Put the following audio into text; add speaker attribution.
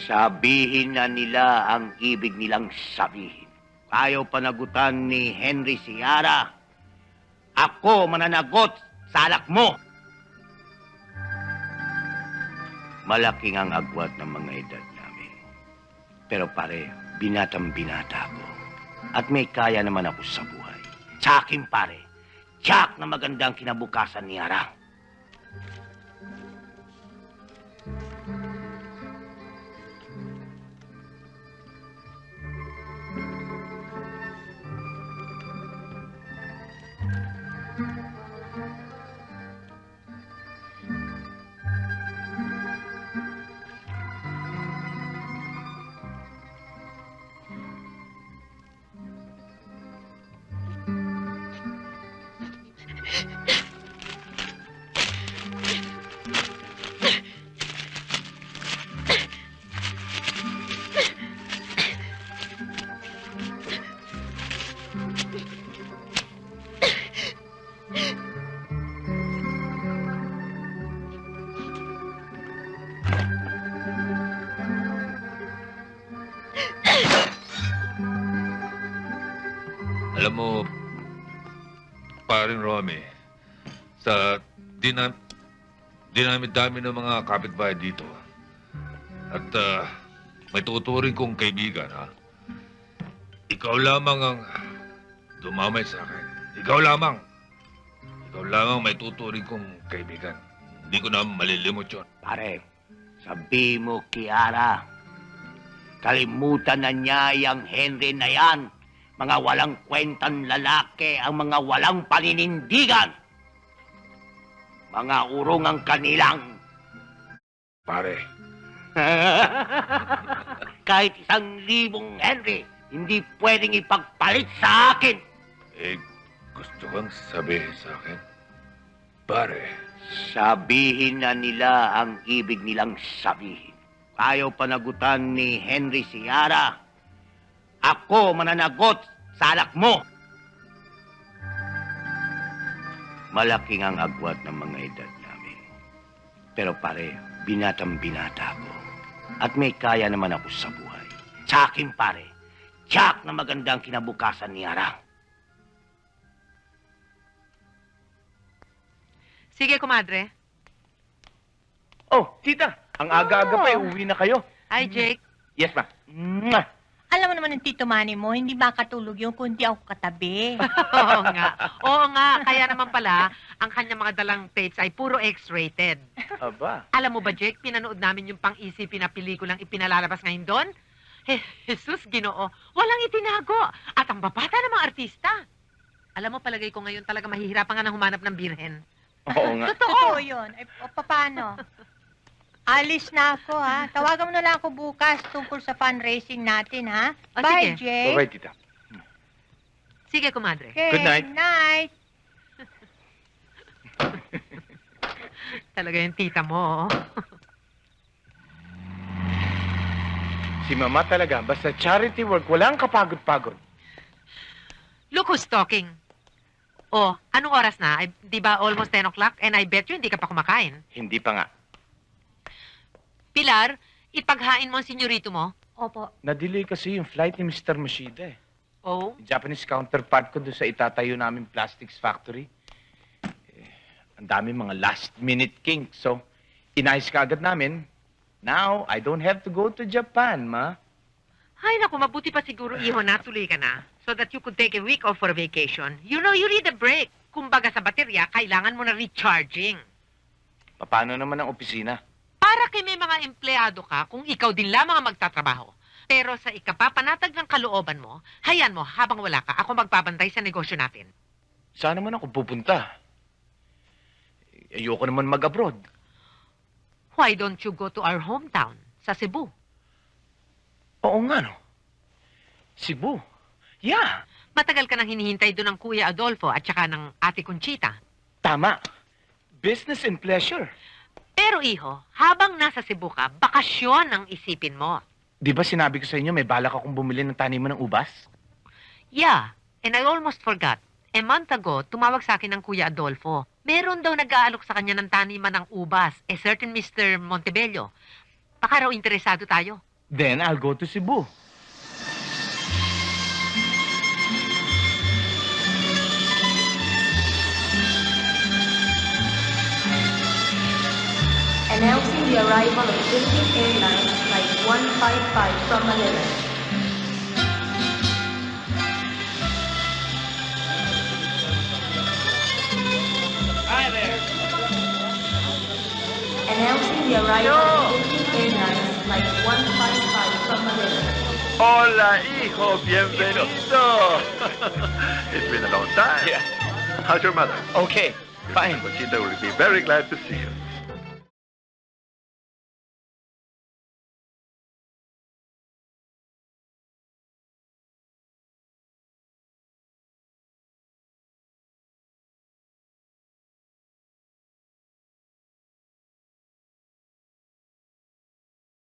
Speaker 1: Sabihin na nila ang ibig nilang sabihin. Ayaw panagutan ni Henry Sierra. Ako mananagot sa alak mo. Malaking ang agwat ng mga edad namin. Pero pare, binatang-binata ko. At may kaya naman ako sa buhay. Sa akin pare, tiyak na magandang kinabukasan ni Ara.
Speaker 2: Alam mo, paring Romy, sa dinami-dami ng mga kapitbahay dito, at may tuturing kong kaibigan, ha? Ikaw lamang ang dumamay sa akin. Ikaw lamang may tuturing kong kaibigan. Hindi ko na malilimot yun.
Speaker 1: Pare, sabi mo, Kiara, kalimutan na niya yung Henry na yan. Mga walang kwentang lalaki ang mga walang paninindigan. Mga urong ang kanilang.
Speaker 2: Pare,
Speaker 1: Kahit 1,000 Henry, hindi pwedeng ipagpalit sa akin.
Speaker 2: gusto kang sabihin sa akin? Pare,
Speaker 1: Sabihin na nila ang ibig nilang sabihin. Ayaw panagutan ni Henry Sierra. Ako mananagot sa alak mo. Malaking ang agwat ng mga edad namin. Pero pare, binatang-binata ko. At may kaya naman ako sa buhay. Sa akin pare, tiyak na magandang kinabukasan ni Ara.
Speaker 3: Sige, kumadre.
Speaker 4: Oh, tita, ang aga-aga pa, uwi na kayo.
Speaker 3: Hi, Jake.
Speaker 4: Yes, ma. Mwah!
Speaker 5: Alam mo naman ng Tito Manny mo, hindi makatulog yung kundi ako katabi.
Speaker 3: Oo nga. Oo nga. Kaya naman pala, ang kanyang mga dalang tapes ay puro X-rated.
Speaker 4: Aba.
Speaker 3: Alam mo ba, Jake, pinanood namin yung pang-isipin na pelikulang ipinalalabas ngayon doon? Jesus, Ginoo, walang itinago. At ang babata ng mga artista. Alam mo, palagay ko ngayon talaga mahihirapan nga ng humanap ng birhen.
Speaker 4: Oo nga.
Speaker 5: Totoo yun. Ay, paano? Alis na ako, ha? Tawagan mo na lang ako bukas tungkol sa fundraising natin, ha?
Speaker 3: O,
Speaker 5: Bye,
Speaker 3: sige.
Speaker 5: Jay.
Speaker 4: Bye-bye, tita.
Speaker 3: Sige, kumadre.
Speaker 5: Okay,
Speaker 4: Good night.
Speaker 5: night.
Speaker 3: Talaga yung tita mo.
Speaker 4: Si mama talaga, basta charity work, walang kapagod-pagod.
Speaker 3: Look who's talking. Oh, anong oras na? Ay, di ba almost 10 o'clock? And I bet you hindi ka pa kumakain.
Speaker 4: Hindi pa nga.
Speaker 3: Pilar, ipaghain mo ang senyorito mo.
Speaker 5: Opo.
Speaker 4: Na-delay kasi yung flight ni Mr. Mashida eh.
Speaker 3: Oh?
Speaker 4: Yung Japanese counterpart ko doon sa itatayo namin plastics factory. Ang dami mga last-minute kinks. So, inayos ka agad namin. Now, I don't have to go to Japan, ma.
Speaker 3: Ay, naku, mabuti pa siguro, iho, natuloy ka na. So that you could take a week off for vacation. You know, you need a break. Kumbaga sa baterya, kailangan mo na recharging.
Speaker 4: Paano naman ang opisina?
Speaker 3: Para kay may mga empleyado ka kung ikaw din lamang ang magtatrabaho. Pero sa ikapapanatag ng kalooban mo, hayaan mo, habang wala ka, ako magbabantay sa negosyo natin.
Speaker 4: Saan naman ako pupunta? Ayoko naman mag-abroad.
Speaker 3: Why don't you go to our hometown, sa Cebu?
Speaker 4: Oo nga, no? Cebu. Yeah,
Speaker 3: Matagal ka nang hinihintay doon ng Kuya Adolfo at saka ng Ate Conchita.
Speaker 4: tama. Business and pleasure.
Speaker 3: Pero iho, habang nasa Cebu ka, bakasyon ang isipin mo.
Speaker 4: Di ba sinabi ko sa inyo may balak akong bumili ng taniman ng ubas?
Speaker 3: Yeah, and I almost forgot. A month ago, tumawag sa akin ng Kuya Adolfo. Meron daw nag-aalok sa kanya ng taniman ng ubas, a certain Mr. Montebello. Baka raw interesado tayo.
Speaker 4: Then I'll go to Cebu.
Speaker 6: Announcing the arrival of Philippine Airlines Flight 155 from Manila. Announcing the arrival of Philippine Airlines Flight 155 from Manila.
Speaker 7: Hola, hijo. Bienvenido. It's been a long time.
Speaker 4: Yeah.
Speaker 7: How's your mother?
Speaker 4: Okay, fine.
Speaker 7: Conchita will be very glad to see you.